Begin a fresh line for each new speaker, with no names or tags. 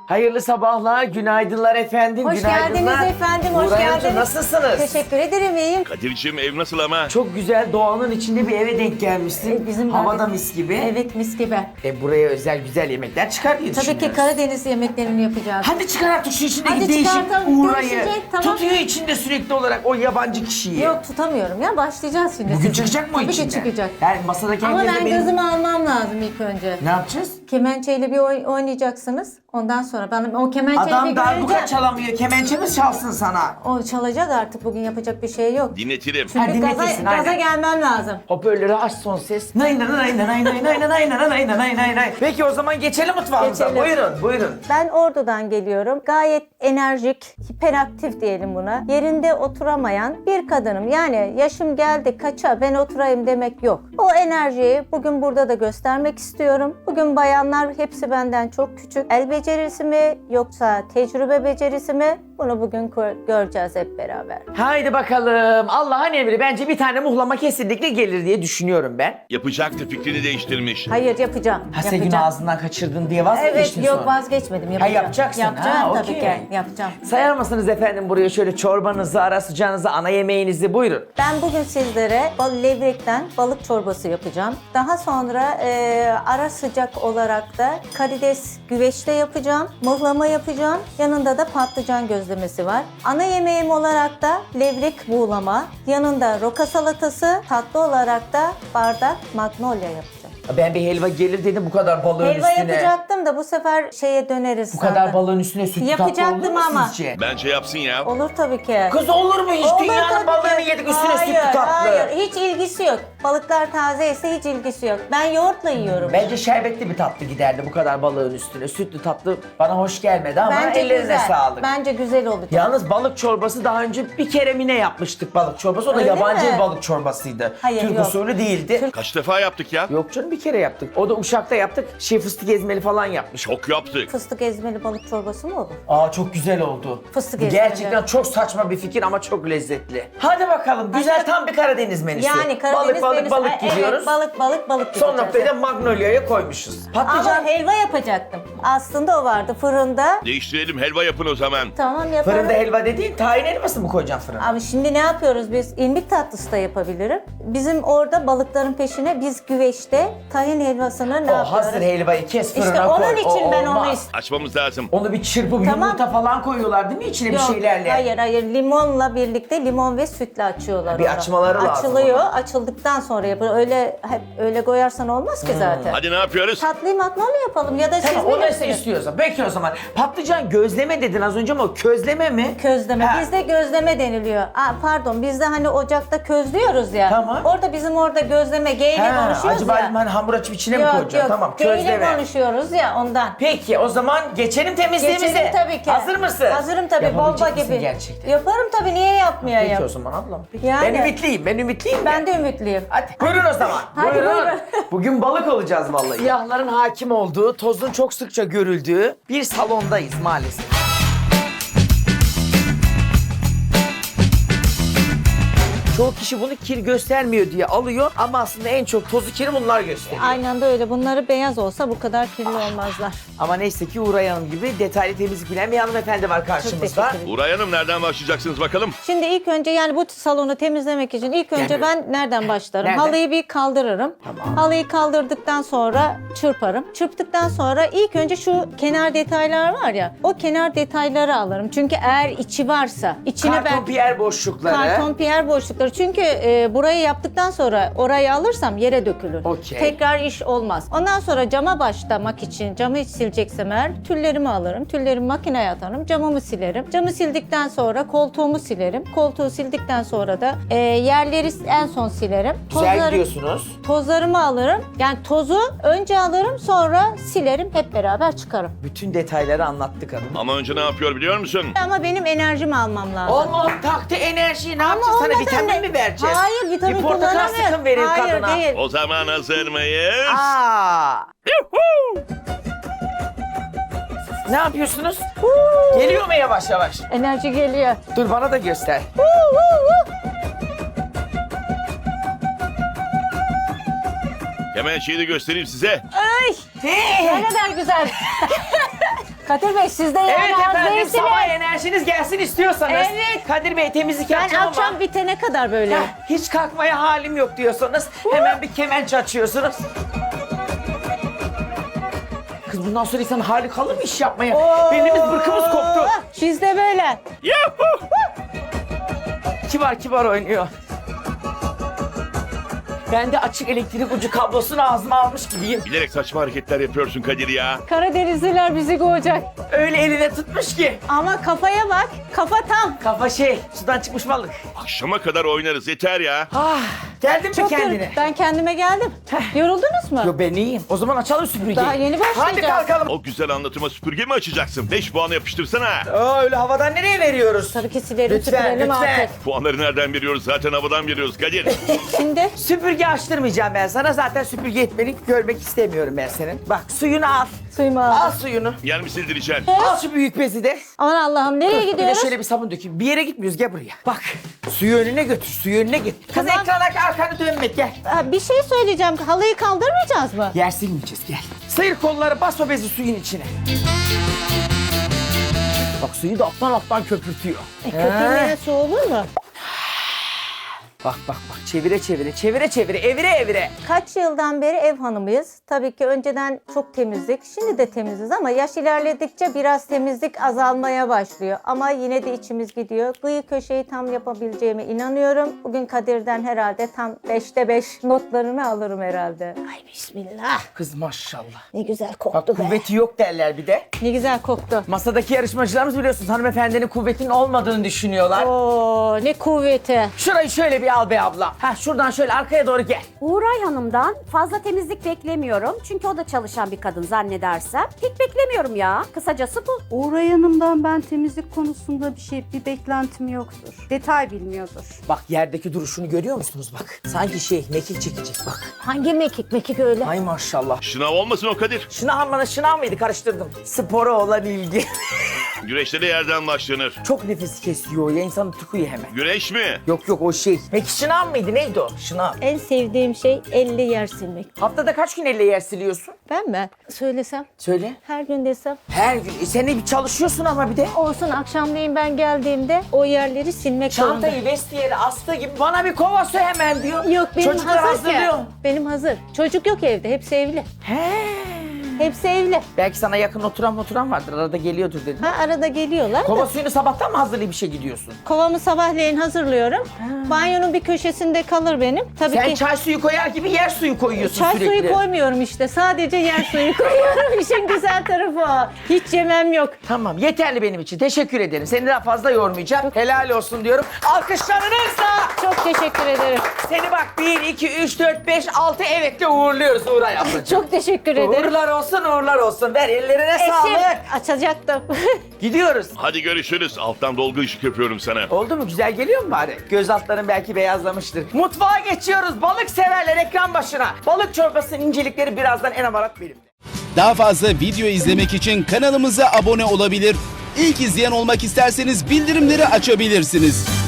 Hayırlı sabahlar, günaydınlar efendim.
Hoş
günaydınlar.
geldiniz efendim, hoş
Nuray Hanımcığım,
geldiniz.
nasılsınız?
Teşekkür ederim, iyiyim.
Kadir'cim ev nasıl ama?
Çok güzel, doğanın içinde bir eve denk gelmişsin.
Bizim
Havada
de-
mis gibi.
Evet, mis gibi.
Buraya özel güzel yemekler çıkar diye
Tabii ki
düşünüyoruz.
Karadeniz yemeklerini yapacağız.
Hadi çıkar artık şu içindeki
Hadi
değişik
çıkartalım,
uğrayı.
görüşecek, tamam.
Tutuyor içinde sürekli olarak o yabancı kişiyi.
Yok, tutamıyorum ya, başlayacağız şimdi.
Bugün
sizin.
çıkacak mı o
Tabii
içinden?
ki çıkacak.
Yani masadaki
Ama
herkes de
ben
benim-
gözümü almam lazım ilk önce.
Ne yapacağız?
Kemençeyle bir oynayacaksınız. Ondan sonra ben o kemençeyi
Adam
bir
darbuka
göreceğim.
çalamıyor, kemençe mi çalsın sana?
O çalacak artık, bugün yapacak bir şey yok.
Dinletirim.
Ha,
Çünkü
dinletirsin,
gaza
aynen.
gelmem lazım.
Hoparlörü aç son ses. Nay nay nay nay nay nay nay nay nay nay nay nay. Peki o zaman geçelim mutfağımıza.
Geçelim.
Buyurun, buyurun.
Ben Ordu'dan geliyorum. Gayet enerjik, hiperaktif diyelim buna. Yerinde oturamayan bir kadınım. Yani yaşım geldi kaça ben oturayım demek yok. O enerjiyi bugün burada da göstermek istiyorum. Bugün bayanlar hepsi benden çok küçük. El becerisi mi yoksa tecrübe becerisi mi? Bunu bugün göreceğiz hep beraber.
Haydi bakalım. Allah'ın emri. Bence bir tane muhlama kesinlikle gelir diye düşünüyorum ben.
Yapacaktı, fikrini değiştirmiş.
Hayır, yapacağım.
Ha sen günü
Yapacağım.
ağzından kaçırdın diye
Evet,
vazgeçtin
yok
sonra.
vazgeçmedim. Yapacağım.
yapacaksın.
Yapacağım
Ha,
tabii
okey.
ki. Yapacağım.
Sayar mısınız efendim buraya şöyle çorbanızı, ara sıcağınızı, ana yemeğinizi buyurun.
Ben bugün sizlere levrekten balık çorbası yapacağım. Daha sonra ara sıcak olarak da karides güveçte yapacağım. Mıhlama yapacağım. Yanında da patlıcan gözlemesi var. Ana yemeğim olarak da levrek buğulama. Yanında roka salatası. Tatlı olarak da bardak magnolia yapacağım.
Ben bir helva gelir dedim bu kadar balığın
Helva
üstüne.
yapacaktım da bu sefer şeye döneriz.
Bu kadar balığın üstüne sütlü tatlı olur
Yapacaktım
mu
ama.
sizce?
Bence yapsın ya.
Olur tabii ki.
Kız olur mu hiç?
Olur
Dünyanın
tabii
balığını
ki.
yedik üstüne
Hayır,
sütlü tatlı.
Hayır, hiç ilgisi yok. Balıklar taze ise hiç ilgisi yok. Ben yoğurtla yiyorum.
Bence şerbetli bir tatlı giderdi bu kadar balığın üstüne. Sütlü tatlı bana hoş gelmedi ama
Bence
ellerine
güzel.
sağlık.
Bence güzel olacak.
Yalnız balık çorbası daha önce bir kere mi ne yapmıştık balık çorbası? O da
Öyle
yabancı
mi?
bir balık çorbasıydı.
Hayır,
Türk
yok.
usulü değildi.
Kaç defa yaptık ya?
Yok canım bir kere yaptık. O da Uşak'ta yaptık. Fıstık ezmeli falan yapmış.
Çok yaptık.
Fıstık ezmeli balık çorbası mı olur?
Aa çok güzel oldu.
Fıstık
Bu
ezmeli.
gerçekten çok saçma bir fikir ama çok lezzetli. Hadi bakalım güzel tam bir Karadeniz menüsü.
Yani Karadeniz
balık
menüsü-
balık
Evet,
gidiyoruz.
balık
Son
gideceğiz.
noktayı da Magnolia'ya koymuşuz.
Ama
Patlıcan
helva yapacaktım. Aslında o vardı fırında.
Değiştirelim, helva yapın o zaman.
Tamam yaparım.
fırında helva dediğin tahin helvası mı koyacaksın fırına?
Ama şimdi ne yapıyoruz biz? İrmik tatlısı da yapabilirim. Bizim orada balıkların peşine biz güveçte tahin helvasını ne
O
yapıyoruz?
hazır helvayı kes fırına
İşte
koy.
onun için
O
ben onu
olmaz.
istiyorum.
Açmamız lazım.
Onu bir çırpıp
Tamam.
yumurta falan koyuyorlar değil mi içine bir şeylerle?
Hayır limonla birlikte limon ve sütle açıyorlar.
Bir
onu.
açmaları lazım
Açılıyor.
ama.
Açıldıktan sonra yapılıyor. Öyle hep öyle koyarsan olmaz ki zaten.
Hadi ne yapıyoruz?
Tatlıyı magnolia yapalım ya da siz
Tamam
mi
o nasıl
yapıyorsunuz?
istiyorsa. Peki o zaman. Patlıcan gözleme dedin az önce ama o közleme mi?
Közleme.
Ha.
Bizde gözleme deniliyor. Pardon bizde hani ocakta közlüyoruz ya.
Tamam.
Orada bizim orada gözleme G ile
Ha,
konuşuyoruz
acaba
ya.
hani hamur açıp içine mi
Yok
koyacaksın?
yok.
Tamam
G ile
közleme.
konuşuyoruz ya ondan.
Peki o zaman geçelim temizliğimize.
Geçelim tabii ki.
Hazır mısın?
Hazırım tabii bomba
Yapabilecek misin
gibi.
gerçekten?
Yaparım tabii niye yapmayayım?
Peki o zaman ablam. Peki.
Yani.
Ben ümitliyim. Ben ümitliyim.
Ben de ümitliyim.
Hadi buyurun o zaman.
Hadi buyurun.
Bugün balık olacağız vallahi. Siyahların hakim olduğu, tozun çok sıkça görüldüğü bir salondayız maalesef. Çoğu kişi bunu kir göstermiyor diye alıyor ama aslında en çok tozu kiri bunlar gösteriyor.
Aynen de öyle. Bunları beyaz olsa bu kadar kirli olmazlar.
Ama neyse ki Uğray Hanım gibi detaylı temizlik bilen bir hanımefendi var karşımızda.
teşekkür ederim.
Uray Hanım nereden başlayacaksınız bakalım?
Şimdi ilk önce yani bu salonu temizlemek için ilk önce
Yani-
ben nereden başlarım?
Nereden?
Halıyı bir kaldırırım.
Tamam.
Halıyı kaldırdıktan sonra çırparım. Çırptıktan sonra ilk önce şu kenar detaylar var ya, o kenar detayları alırım. Çünkü eğer içi varsa, içine
Karton piyer boşlukları.
Karton piyer boşlukları. Çünkü burayı yaptıktan sonra orayı alırsam yere dökülür.
Okey.
Tekrar iş olmaz. Ondan sonra cama başlamak için camı sileceksem eğer tüllerimi alırım. Tüllerimi makineye atarım. Camımı silerim. Camı sildikten sonra koltuğumu silerim. Koltuğu sildikten sonra da yerleri en son silerim.
Güzel gidiyorsunuz.
Tozlarımı alırım. Yani tozu önce alırım sonra silerim. Hep beraber çıkarım.
Bütün detayları anlattık hanım.
Ama önce ne yapıyor biliyor musun?
Ama benim enerjimi almam lazım.
Allah'ım taktı enerjiyi ne yapacağız? Sana
olmasa
vitamin
ne-
mi vereceğiz?
Hayır, vitamin
Bir portakal
kullanamıyorum.
sıkın verin
Hayır,
kadına.
değil.
O zaman hazır mıyız?
Aa. Ne yapıyorsunuz? Geliyor mu yavaş yavaş?
Enerji geliyor.
Dur bana da göster.
Hemen şeyi de göstereyim size.
Ay! Ne kadar güzel. Kadir Bey siz de yani
Evet
az
efendim,
değilsiniz.
sabah enerjiniz gelsin istiyorsanız.
Evet.
Kadir Bey temizlik
Ben
yapacağım
akşam
ama
bitene kadar böyle.
hiç kalkmaya halim yok diyorsanız hemen bir kemençe açıyorsunuz. Kız bundan sonra insanın hali kalır mı iş yapmaya? Belimiz bırkımız koptu.
Biz de böyle.
Yuhu!
Kibar kibar oynuyor. Ben de açık elektrik ucu kablosunu ağzıma almış gibiyim.
Bilerek saçma hareketler yapıyorsun Kadir ya.
Karadenizliler bizi kovacak.
Öyle eline tutmuş ki.
Ama kafaya bak. Kafa tam.
Kafa sudan çıkmış balık.
Akşama kadar oynarız yeter ya.
Geldin mi
Çok
kendine?
Ben kendime geldim. Yoruldunuz mu?
Yo ben iyiyim. O zaman açalım süpürgeyi.
Daha yeni başlayacağız.
Hadi kalkalım.
O güzel anlatıma süpürge mi açacaksın? 5 puanı yapıştırsana.
Öyle havadan nereye veriyoruz?
Tabii ki silerim
Lütfen,
süpürelim
lütfen.
artık.
Puanları nereden veriyoruz? Zaten havadan veriyoruz Kadir.
Şimdi
Süpürge açtırmayacağım ben sana. Zaten süpürge etmeni görmek istemiyorum ben senin. Bak suyunu al.
suyumu
Al
aldım.
suyunu.
Yer mi sildireceksin?
Al şu büyük bezi de.
Aman Allah'ım nereye
Bir de
gidiyoruz?
şöyle bir sabun dökeyim. Bir yere gitmiyoruz, gel buraya. Bak suyu önüne götür, suyu önüne git. Kız
Tamam.
ekrana arkanı dönme, gel.
Bir şey söyleyeceğim. Halıyı kaldırmayacağız mı?
Yer silmeyeceğiz, gel. Sıyır kolları, bas o bezi suyun içine. Bak suyu da alttan köpürtüyor.
Köpürmeyen su olur mu?
Bak çevire çevire evire.
Kaç yıldan beri ev hanımıyız. Tabii ki önceden çok temizdik. Şimdi de temiziz ama yaş ilerledikçe biraz temizlik azalmaya başlıyor. Ama yine de içimiz gidiyor. Kıyı köşeyi tam yapabileceğime inanıyorum. Bugün Kadir'den herhalde tam 5'te 5 notlarını alırım herhalde. Ay bismillah.
Kız maşallah.
Ne güzel
Bak
koktu be.
kuvveti yok derler bir de.
Ne güzel koktu.
Masadaki yarışmacılarımız biliyorsunuz hanımefendinin kuvvetinin olmadığını düşünüyorlar.
Oo ne kuvveti.
Şurayı şöyle bir al be abla. Ha şuradan şöyle arkaya doğru gel.
Uğray Hanım'dan fazla temizlik beklemiyorum. Çünkü o da çalışan bir kadın zannedersem. Pek beklemiyorum ya. Kısacası bu.
Uğray Hanım'dan ben temizlik konusunda bir beklentim yoktur. Detay bilmiyordur.
Bak yerdeki duruşunu görüyor musunuz bak. Sanki mekik çekecek bak.
Hangi mekik öyle?
Ay maşallah.
Şınav olmasın o Kadir.
Şınav mıydı karıştırdım. Spora olan ilgi.
Güreşte de yerden başlanır.
Çok nefes kesiyor ya insanı tıkıyor hemen.
Güreş mi?
Yok o şey. Peki şınav mıydı neydi o? Şınav.
En sevdiğim şey elle yer silmek.
Haftada kaç gün elle yer siliyorsun?
Ben mi? Söylesem.
Söyle.
Her gün desem.
Her gün. Sen de bir çalışıyorsun ama bir de.
Olsun akşamleyin ben geldiğimde o yerleri silmek zorunda.
Çantayı vestiyeri astığı gibi bana bir kova su hemen diyor.
Yok benim
Çocuklar
hazır ki.
hazırlıyor.
Benim hazır. Çocuk yok evde. Hepsi evli.
He.
Hepsi evli.
Belki sana yakın oturan vardır. Arada geliyordur dedim.
Ha arada geliyorlar.
Kova suyunu sabahtan mı hazırlayıp işe gidiyorsun?
Kovamı sabahleyin hazırlıyorum. Banyonun bir köşesinde kalır benim. Tabii
Sen
ki
çay suyu koyar gibi yer suyu koyuyorsun
çay
sürekli.
suyu koymuyorum işte. Sadece yer suyu koyuyorum. İşin güzel tarafı o. Hiç yemem yok.
Tamam yeterli benim için. Teşekkür ederim. Seni daha fazla yormayacağım. Helal olsun diyorum. Alkışlarınızla
Çok teşekkür ederim.
seni bak 1, 2, 3, 4, 5, 6 evetle uğurluyoruz Uğray ablacığım.
Çok teşekkür ederim.
Uğurlar olsun. Ver ellerine
Eşim
sağlık.
açacaktım.
Gidiyoruz.
Hadi görüşürüz. Alttan dolgu ışık yapıyorum sana.
Oldu mu? Güzel geliyor mu bari? Göz altların belki beyazlamıştır. Mutfağa geçiyoruz. Balık severler ekran başına. Balık çorbasının incelikleri birazdan en amarat benim.
Daha fazla video izlemek için kanalımıza abone olabilir. İlk izleyen olmak isterseniz bildirimleri açabilirsiniz.